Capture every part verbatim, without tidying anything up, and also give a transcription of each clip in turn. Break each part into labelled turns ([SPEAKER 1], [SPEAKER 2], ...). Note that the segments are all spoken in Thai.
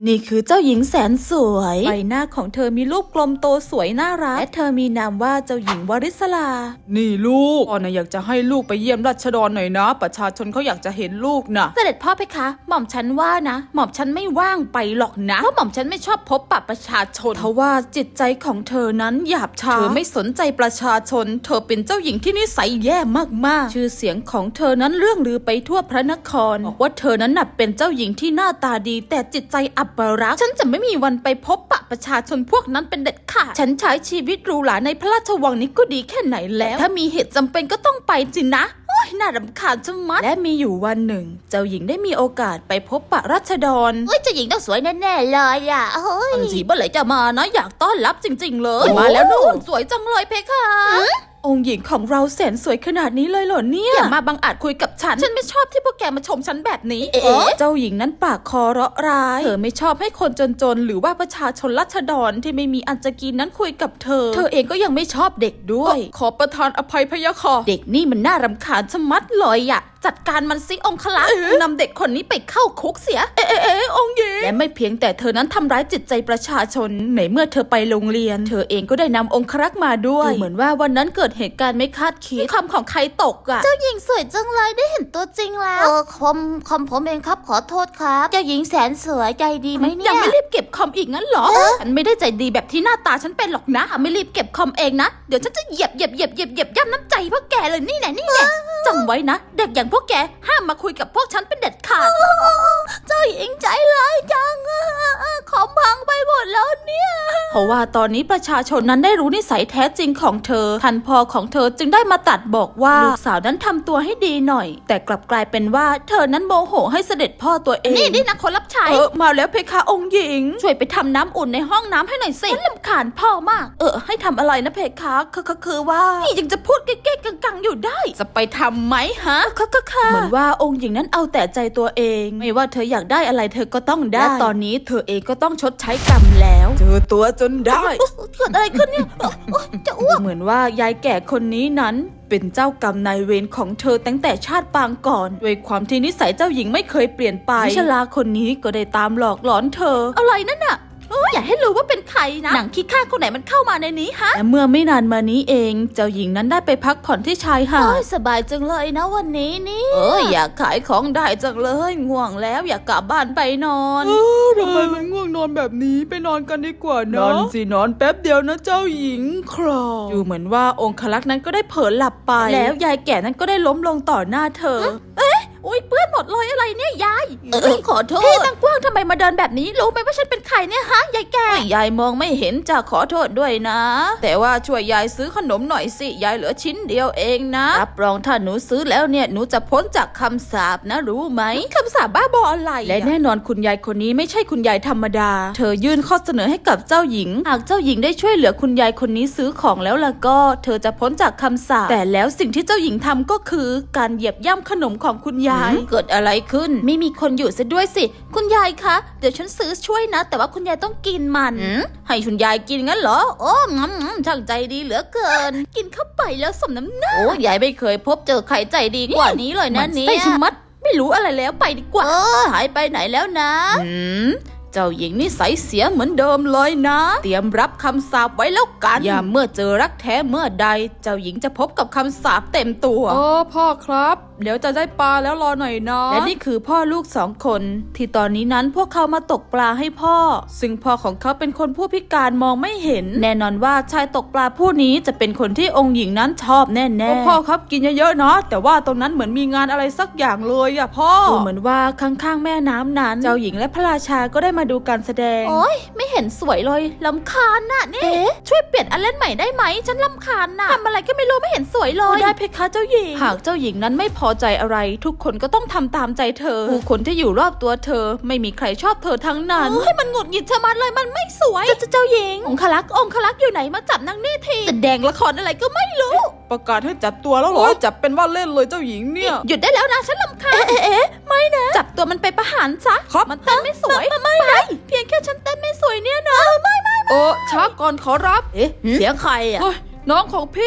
[SPEAKER 1] นี่คือเจ้าหญิงแสนสวยใบหน้าของเธอมีรูปกลมโตสวยน่ารักและเธอมีนามว่าเจ้าหญิงวริศรา
[SPEAKER 2] นี่ลูกพ่อนะอยากจะให้ลูกไปเยี่ยมราชดรหน่อยนะประชาชนเขาอยากจะเห็นลูกนะ
[SPEAKER 1] เสด็จพ่อเพคะ หม่อมฉันว่านะ หม่อมฉันไม่ว่างไปหรอกนะเพราะหม่อมฉันไม่ชอบพบปะประชาชนเพราะว่าจิตใจของเธอนั้นหยาบช้าเธอไม่สนใจประชาชนเธอเป็นเจ้าหญิงที่นิสัยแย่มากๆชื่อเสียงของเธอนั้นเรื่องลือไปทั่วพระนครบอกว่าเธอนั้นน่ะเป็นเจ้าหญิงที่หน้าตาดีแต่จิตใจอัปรักษ์ฉันจะไม่มีวันไปพบปะประชาชนพวกนั้นเป็นเด็ดขาดฉันใช้ชีวิตหรูหราในพระราชวังนี้ก็ดีแค่ไหนแล้วถ้ามีเหตุจำเป็นก็ต้องไปสินะโอ้ยน่ารำคาญจังมัดและมีอยู่วันหนึ่งเจ้าหญิงได้มีโอกาสไปพบปะราษฎร
[SPEAKER 3] เฮ้ยเจ้าหญิงต้องสวยแน่ๆเลยอ่ะเฮ้ย
[SPEAKER 1] จีเมื่อไหร่จะมานะอยากต้อนรับจริงๆเลยมาแล้วนู่นสวยจังเลยเพคะองค์หญิงของเราแสนสวยขนาดนี้เลยเหรอเนี่ยอย่ามาบังอาจคุยกับฉันฉันไม่ชอบที่พวกแกมาชมฉันแบบนี้เอ๊ะเจ้าหญิงนั้นปากคอเราะร้ายเธอไม่ชอบให้คนจนๆหรือว่าประชาชนราษฎรที่ไม่มีอันจะกินนั้นคุยกับเธอเธอเองก็ยังไม่ชอบเด็กด้วย
[SPEAKER 2] ขอประทานอภัยพะยะค่ะ
[SPEAKER 1] เด็กนี่มันน่ารำคาญชะมัดเลยอะจัดการมันซิองคลักษ์นำเด็กคนนี้ไปเข้าคุกเสียเอ๊ะเอ๊ะองค์หญิงและไม่เพียงแต่เธอนั้นทำร้ายจิตใจประชาชนในเมื่อเธอไปโรงเรียนเธอเองก็ได้นำองครักษ์มาด้วยเหมือนว่าวันนั้นเกิดเหตุการณ์ไม่คาดคิดคำของใครตกอะ
[SPEAKER 3] เจ้าหญิงสวยจังเลยได้เห็นตัวจริงแล้วเออคอมคอมผมเองครับขอโทษครับเจ้าหญิงแสนสวยใจดีไหมเนี่ย
[SPEAKER 1] ยังไม่รีบเก็บคอมอีกงั้นเหรอฉันไม่ได้ใจดีแบบที่หน้าตาฉันเป็นหรอกนะไม่รีบเก็บคอมเองนะเดี๋ยวฉันจะเหยียบเหยียบเหยียบเหยียบเหยียบย่ำน้ำใจพวกแกเลยนี่แหละนี่แหละจำไว้นะเด็กอย่างพวกแกห้ามมาคุยกับพวกฉันเป็นเด็ดขาด
[SPEAKER 3] เจ้าหญิงใจร้ายจังคอมพังไปหมดแล้วเนี่ย
[SPEAKER 1] เพราะว่าตอนนี้ประชาชนนั้นได้รู้นิสัยแท้จริงของเธอท่านพ่อของเธอจึงได้มาตัดบอกว่าลูกสาวนั้นทำตัวให้ดีหน่อยแต่กลับกลายเป็นว่าเธอนั้นโมโหให้เสด็จพ่อตัวเอง
[SPEAKER 3] นี่นี่นะคนรับใช้
[SPEAKER 1] เออมาแล้วเพคะองค์หญิงช่วยไปทำน้ำอุ่นในห้องน้ำให้หน่อยสิฉันรำคาญพ่อมากเออให้ทำอะไรนะเพคะคือคือว่านี่ยังจะพูดเก๊กๆกังๆอยู่ได้จะไปทำไหมฮะค่ะค่ะเหมือนว่าองค์หญิงนั้นเอาแต่ใจตัวเองไม่ว่าเธออยากได้อะไรเธอก็ต้องได้และตอนนี้เธอเองก็ต้องชดใช้กรรมแล้ว
[SPEAKER 2] เจอตัวจนได้
[SPEAKER 1] เกิดอะไรขึ้นเนี่ยจะอ้วกเหมือนว่ายายแก่คนนี้นั้นเป็นเจ้ากรรมนายเวรของเธอตั้งแต่ชาติปางก่อนด้วยความที่นิสัยเจ้าหญิงไม่เคยเปลี่ยนไปชลาคนนี้ก็ได้ตามหลอกหลอนเธออะไรนั่นน่ะอย่าให้รู้ว่าเป็นใครนะหนังขี้ข้าคนไหนมันเข้ามาในนี้ฮะและเมื่อไม่นานมานี้เองเจ้าหญิงนั้นได้ไปพักผ่อนที่ชายหาด
[SPEAKER 3] สบายจังเลยนะวันนี้นี่
[SPEAKER 1] เอออยากขายของได้จังเลยง่วงแล้วอยากกลับบ้านไปนอน
[SPEAKER 2] เออทำไมมันง่วงนอนแบบนี้ไปนอนกันดีกว่านะนอนสินอนแป๊บเดียวนะเจ้าหญิงครอ
[SPEAKER 1] ดูเหมือนว่าองครักษ์นั้นก็ได้เผลอหลับไปแล้วยายแก่นั้นก็ได้ล้มลงต่อหน้าเธอเอ๊ะอุ้ยเปื้อนหมดเลยอะไรเนี่ยยาย
[SPEAKER 3] เออขอโทษ
[SPEAKER 1] พี่ตั้งกว้างทำไมมาเดินแบบนี้รู้ไหมว่าฉันเป็นใครเนี่ยฮะยายแก่ยายมองไม่เห็นจะขอโทษด้วยนะแต่ว่าช่วยยายซื้อขนมหน่อยสิยายเหลือชิ้นเดียวเองนะรับรองถ้าหนูซื้อแล้วเนี่ยหนูจะพ้นจากคำสาปนะรู้ไหมคำสาปบ้าบออะไรและแน่นอนคุณยายคนนี้ไม่ใช่คุณยายธรรมดาเธอยื่นข้อเสนอให้กับเจ้าหญิงหากเจ้าหญิงได้ช่วยเหลือคุณยายคนนี้ซื้อของแล้วล่ะก็เธอจะพ้นจากคำสาปแต่แล้วสิ่งที่เจ้าหญิงทำก็คือการเหยียบย่ำขนมของคุณยายเกิดอะไรขึ้นไม่มีคนอยู่ซะด้วยสิคุณยายคะเดี๋ยวฉันซื้อช่วยนะแต่ว่าคุณยายต้องกินมันให้คุณยายกินงั้นเหรอโอ้งั้มช่างใจดีเหลือเกินกินเข้าไปแล้วสมน้ำหน้าโอ้ยายไม่เคยพบเจอใครใจดีกว่านี้เลยนะเนี่ยใช่มัดไม่รู้อะไรแล้วไปดีกว่า
[SPEAKER 3] เออหายไปไหนแล้วนะ
[SPEAKER 1] อืมเจ้าหญิงนิสัยเสียเหมือนเดิมเลยนะเตรียมรับคำสาปไว้แล้วกันอย่าเมื่อเจอรักแท้เมื่อใดเจ้าหญิงจะพบกับคำสาปเต็มตัว
[SPEAKER 2] โอ้พ่อครับเดี๋ยวจะได้ปลาแล้วรอหน่อยนะ
[SPEAKER 1] และนี่คือพ่อลูกสองคนที่ตอนนี้นั้นพวกเขามาตกปลาให้พ่อซึ่งพ่อของเขาเป็นคนผู้พิการมองไม่เห็นแน่นอนว่าชายตกปลาผู้นี้จะเป็นคนที่องค์หญิงนั้นชอบแน่
[SPEAKER 2] ๆพ่อครับกินเยอะๆนะแต่ว่าตรงนั้นเหมือนมีงานอะไรสักอย่างเลยอะพ่อ
[SPEAKER 1] ดูเหมือนว่าข้างๆแม่น้ำนั้นเจ้าหญิงและพระราชาก็ได้มาดูการแสดง
[SPEAKER 3] โอ๊ยไม่เห็นสวยเลยลำคาญน่ะนี่ช่วยเปลี่ยนอันเล่นใหม่ได้ไหมฉันลำคาญน่ะทำอะไรก็ไม่รู้ไม่เห็นสวยเลย
[SPEAKER 1] ได้เพคะเจ้าหญิงหากเจ้าหญิงนั้นไม่พอใจอะไรทุกคนก็ต้องทำตามใจเธอผู้คนที่อยู่รอบตัวเธอไม่มีใครชอบเธอทั้งนั้น
[SPEAKER 3] เฮ้ยมันหงุดหงิดชะมัดเลยมันไม่สวย
[SPEAKER 1] เจ้าเจ้าหญิงองคลักษ์องคลักษ์อยู่ไหนมาจับนางนี่ที
[SPEAKER 3] แสดงละครอะไรก็ไม่รู้
[SPEAKER 2] ประกาศให้จับตัวแล้วเหรอจับเป็นว่าเล่นเลยเจ้าหญิงเนี่ย
[SPEAKER 3] หยุดได้แล้วนะฉันลำคาญ
[SPEAKER 1] เอ๊ะเอ๊ะไม่นะจับตัวมันไปประหารซะ
[SPEAKER 2] ครับ
[SPEAKER 1] มันเต้นไม่สวย
[SPEAKER 3] ไม่
[SPEAKER 1] ไม่เพียงแค่ฉันเต้นไม่สวยเนี่ยนะ
[SPEAKER 3] ไม่ไม่
[SPEAKER 2] โอ้ช้าก่อนขอรับ
[SPEAKER 1] เอ๊ะเสียงใครอ่ะ
[SPEAKER 2] น้องของพี่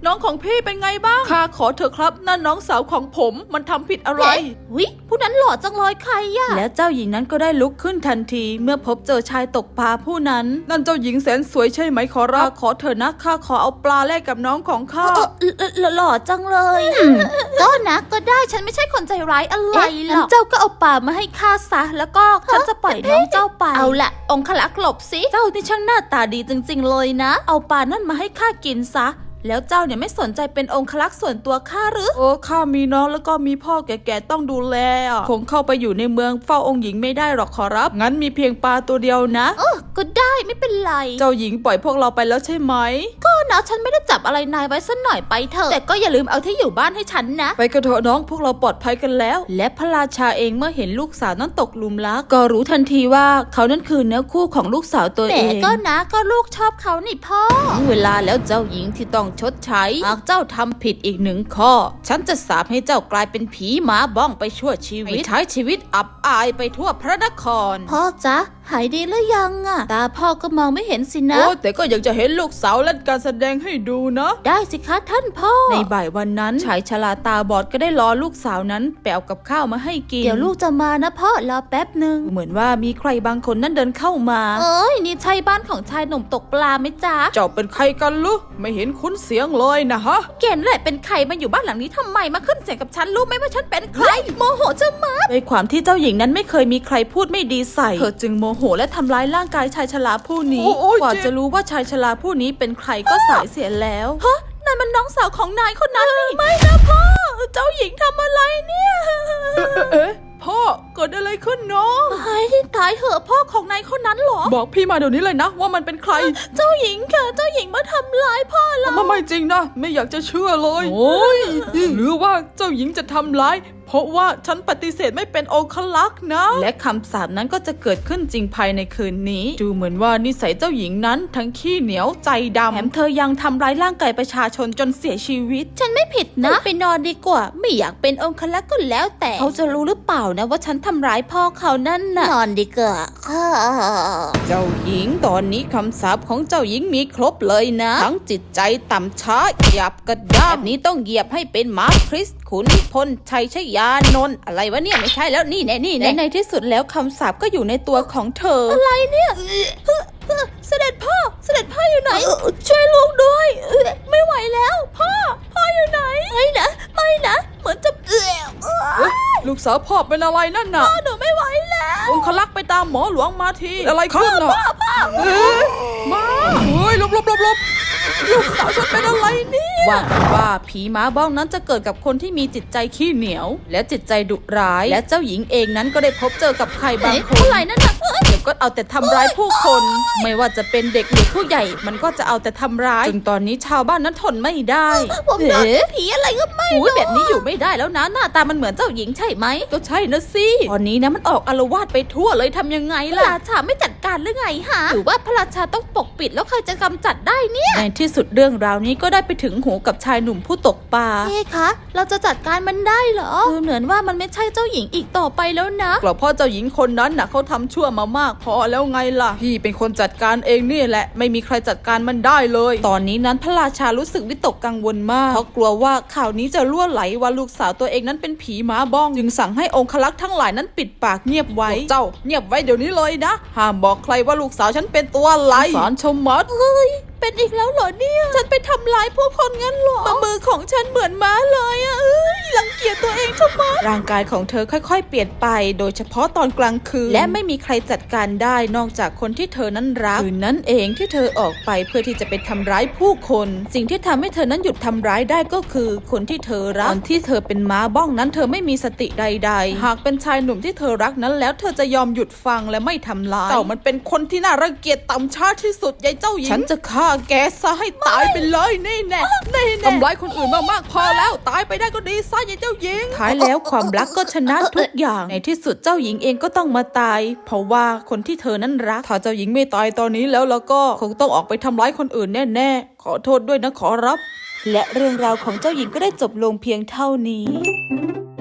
[SPEAKER 2] น้องของพี่เป็นไงบ้างข้าขอเถอะครับนั่นน้องสาวของผมมันทำผิดอะไร
[SPEAKER 3] วิผู้นั้นหล่อจังเลยใครอะ
[SPEAKER 1] และเจ้าหญิงนั้นก็ได้ลุกขึ้นทันทีเมื่อพบเจอชายตกปลาผู้นั้น
[SPEAKER 2] นั่นเจ้าหญิงแสนสวยใช่ไหมขอรับขอเถอะนะข้าขอเอาปลาแลกกับน้องของข้า
[SPEAKER 3] เออเออหล่อจังเลยก็นะก็ได้ฉันไม่ใช่คนใจร้ายอะไรหรอกเจ้าก็เอาปลามาให้ข้าซะแล้วก็ฉันจะปล่อยน้องเจ้าไปเอาละองคลักษ์หลบสิ
[SPEAKER 1] เจ้านี่ช่างหน้าตาดีจริงๆเลยนะ เอาปลานั่นมาให้ข้ากินซะแล้วเจ้าเนี่ยไม่สนใจเป็นองคลักษ์ส่วนตัวข้าหรือ
[SPEAKER 2] โอ้ข้ามีน้องแล้วก็มีพ่อแก่ๆต้องดูแลอ่ะคงเข้าไปอยู่ในเมืองเฝ้าองค์หญิงไม่ได้หรอกขอรับงั้นมีเพียงปลาตัวเดียวนะ
[SPEAKER 3] เออก็ได้ไม่เป็นไร
[SPEAKER 2] เจ้าหญิงปล่อยพวกเราไปแล้วใช่ไหม
[SPEAKER 3] ก็นะฉันไม่ได้จับอะไรนายไว้สักหน่อยไปเถอะแต่ก็อย่าลืมเอาที่อยู่บ้านให้ฉันนะ
[SPEAKER 2] ไปกันเถอะน้องพวกเราปลอดภัยกันแล้ว
[SPEAKER 1] และพระราชาเองเมื่อเห็นลูกสาวนั้นตกหลุมรักก็รู้ทันทีว่าเขานั้นคือเนื้อคู่ของลูกสาวตัว
[SPEAKER 3] แต่
[SPEAKER 1] เอง
[SPEAKER 3] ก็นะก็ลูกชอบเขานี่พ่อ
[SPEAKER 1] ถึงเวลาแล้วเจ้าหญิงที่ต้องชดใช้หากเจ้าทำผิดอีกหนึ่งข้อ ฉันจะสาปให้เจ้ากลายเป็นผีหมาบ้องไปชั่วชีวิตใช้ชีวิตอับอายไปทั่วพระนคร
[SPEAKER 3] พ่อจ๊ะหายดีหรือยังอะตาพ่อก็มองไม่เห็นสินะ
[SPEAKER 2] โอ้แต่ก็อยากจะเห็นลูกสาวเล่นการแสดงให้ดูนะ
[SPEAKER 3] ได้สิคะท่านพ่อ
[SPEAKER 1] ในบ่ายวันนั้นชายชราตาบอดก็ได้รอลูกสาวนั้นแปลกับข้าวมาให้กิน
[SPEAKER 3] เดี๋ยวลูกจะมานะพ่อรอแป๊บหนึ่ง
[SPEAKER 1] เหมือนว่ามีใครบางคนนั้นเดินเข้ามา
[SPEAKER 3] เอ้ยนี่ใช่บ้านของชายหนุ่มตกปลาไหมจ๊ะ
[SPEAKER 2] เจ้าเป็นใครกันลุไม่เห็นคุ้นเสียงเลยนะฮะ
[SPEAKER 3] แกนั่นแหละเป็นใครมาอยู่บ้านหลังนี้ทำไมมาขึ้นเสียงกับฉันรู้ไหมว่าฉันเป็นใครโมโหจะมา
[SPEAKER 1] ด้วยความที่เจ้าหญิงนั้นไม่เคยมีใครพูดไม่ดีใส่เธอจึงโมโหและทำร้ายร่างกายชายชราผู้นี้
[SPEAKER 2] โอ้โอ้ย
[SPEAKER 1] กว่า
[SPEAKER 2] เจ็บ
[SPEAKER 1] จะรู้ว่าชายชราผู้นี้เป็นใครก็สายเสียแล้ว
[SPEAKER 3] นั่นมันน้องสาวของนายคนนั้นนี่
[SPEAKER 1] ไม่นะพ่อเจ้าหญิงทำอะไรเนี่ย
[SPEAKER 2] เอ๊ะพ่อเกิดอะไรขึ้นเนาะ
[SPEAKER 3] ตายตายเหอะพ่อของนายคนนั้นเหรอ
[SPEAKER 2] บอกพี่มาเดี๋ยวนี้เลยนะว่ามันเป็นใคร
[SPEAKER 3] เจ้าหญิงค่ะเจ้าหญิงมาทำร้ายพ่อเรา
[SPEAKER 2] มันไม่จริงนะไม่อยากจะเชื่อเลยโอ้ยหรือว่าเจ้าหญิงจะทำร้ายเพราะว่าฉันปฏิเสธไม่เป็นองคลักษ์นะ
[SPEAKER 1] และคำสาปนั้นก็จะเกิดขึ้นจริงภายในคืนนี้ ดูเหมือนว่านิสัยเจ้าหญิงนั้นทั้งขี้เหนียวใจดำแถมเธอยังทำร้ายร่างกายประชาชนจนเสียชีวิต
[SPEAKER 3] ฉันไม่ผิดนะไปนอนดีกว่า ไม่อยากเป็นองคลักษ์ก็แล้วแต่
[SPEAKER 1] เขาจะรู้หรือเปล่านะว่าฉันทำร้ายพ่อเขานั่นน่ะ
[SPEAKER 3] นอนดีกว่าค่ะ
[SPEAKER 1] เจ้าหญิงตอนนี้คำสาปของเจ้าหญิงมีครบเลยนะ ทั้งจิตใจต่ำช้าหยาบกระด้างแบบนี้ต้องเหยียบให้เป็นม้าคริสต์ขุนพลชัยชยานนท์อะไรวะเนี่ยไม่ใช่แล้วนี่แน่นี่แน่และในที่สุดแล้วคำสาปก็อยู่ในตัวของเธอ
[SPEAKER 3] อะไรเนี่ยเสด็จพ่อเสด็จพ่ออยู่ไหนช่วยลูกด้วยไม่ไหวแล้วพ่อพ่ออยู่ไหนไม่นะไม่นะเหมือนจะเอื้อ
[SPEAKER 2] เอ๊ะลูกสาวพ่อเป็นอะไรนั่นน่ะ
[SPEAKER 3] หนูไม่ไหวแล้ว
[SPEAKER 2] องคลักษ์ไปตามหมอหลวงมาทีอะไรขึ้นน่ะเอ๊ะมาเฮ้ยหลบหลบหลบหลบลูกสาวฉันเป็นอะไรเนี่ย
[SPEAKER 1] ว่ากันว่าผีม้าบ้องนั้นจะเกิดกับคนที่มีจิตใจขี้เหนียว และจิตใจดุร้าย และเจ้าหญิงเองนั้นก็ได้พบเจอกับใครบางคน
[SPEAKER 3] อะไรนั่นน่ะ
[SPEAKER 1] เดี๋ยวก็เอาแต่ทำร้ายผู้คน ไม่ว่าจะเป็นเด็กหรือผู้ใหญ่ มันก็จะเอาแต่ทำร้ายจนตอนนี้ชาวบ้านนั้นทนไม่ได้
[SPEAKER 3] ผมโดนผีอะไรก็ไม่
[SPEAKER 1] อุ้ยแบบนี้อยู่ไม่ได้แล้วนะหน้าตามันเหมือนเจ้าหญิงใช่ไหมก็ใช่นะสิตอนนี้นะมันออกอาละวาดไปทั่วเลยทำยังไง
[SPEAKER 3] พระ
[SPEAKER 1] ล่ะ
[SPEAKER 3] ราชาไม่จัดการหรือไงฮะหรือว่าพระราชาต้องปกปิดแล้วใครจะกำจัดได้เนี่ย
[SPEAKER 1] ในที่สุดเรื่องราวนี้ก็ได้ไปถึงหูกับชายหนุ่มผู้ตกปลา
[SPEAKER 3] เอ๊ะคะ เราจะจัดการมันได้เหรอคือเหมือนว่ามันไม่ใช่เจ้าหญิงอีกต่อไปแล้วนะ
[SPEAKER 2] กลัวพ่อเจ้าหญิงคนนั้นน่ะเขาทำชั่วมามากพอแล้วไงล่ะพี่เป็นคนจัดการเองนี่แหละไม่มีใครจัดการมันได้เลย
[SPEAKER 1] ตอนนี้นั้นพระราชารู้สึกวิตกกังวลมากเพราะกลัวว่าข่าวนี้จะล่วไหลว่าลูกสาวตัวเองนั้นเป็นผีม้าบ้องจึงสั่งให้องคลักษ์ทั้งหลายนั้นปิดปากเงียบไว้
[SPEAKER 2] เจ้าเงียบไว้เดี๋ยวนี้เลยนะห้ามบอกใครว่าลูกสาวฉันเป็นตัวอะไรสารชมมัด
[SPEAKER 3] เป็นอีกแล้วเหรอเนี่ย ฉันไปทำร้ายผู้คนงั้นเหรอมือของฉันเหมือนม้าเลยอะเอ้ยรังเกียจตัวเองทำไม
[SPEAKER 1] ร่างกายของเธอค่อยๆ เปลี่ยนไป โดยเฉพาะตอนกลางคืน และไม่มีใครจัดการได้นอกจากคนที่เธอนั้นรักคืนนั้นเองที่เธอออกไปเพื่อที่จะไปทำร้ายผู้คน สิ่งที่ทำให้เธอนั้นหยุดทำร้ายได้ก็คือคนที่เธอรักตอนที่เธอเป็นม้าบ้องนั้นเธอไม่มีสติใดๆ หากเป็นชายหนุ่มที่เธอรักนั้นแล้วเธอจะยอมหยุดฟังและไม่ทำร้าย
[SPEAKER 2] เจ้ามันเป็นคนที่น่ารังเกียจต่ำช้าที่สุดยายเจ้าหญิง
[SPEAKER 1] ฉันจะฆ่าแกซะให้
[SPEAKER 2] ตายไปเลยนี่แน่นี่แน่ทำร้ายคนอื่นมากๆพอแล้วตายไปได้ก็ดีซะยายเจ้าหญิง
[SPEAKER 1] ท้ายแล้วความรักก็ชนะทุกอย่าง ในที่สุดเจ้าหญิงเองก็ต้องมาตาย เพราะว่าคนที่เธอนั้นรัก
[SPEAKER 2] ถ้าเจ้าหญิงไม่ตายตอนนี้แล้วแล้วก็คงต้องออกไปทำร้ายคนอื่นแน่ๆขอโทษด้วยนะขอรับ
[SPEAKER 1] และเรื่องราวของเจ้าหญิงก็ได้จบลงเพียงเท่านี้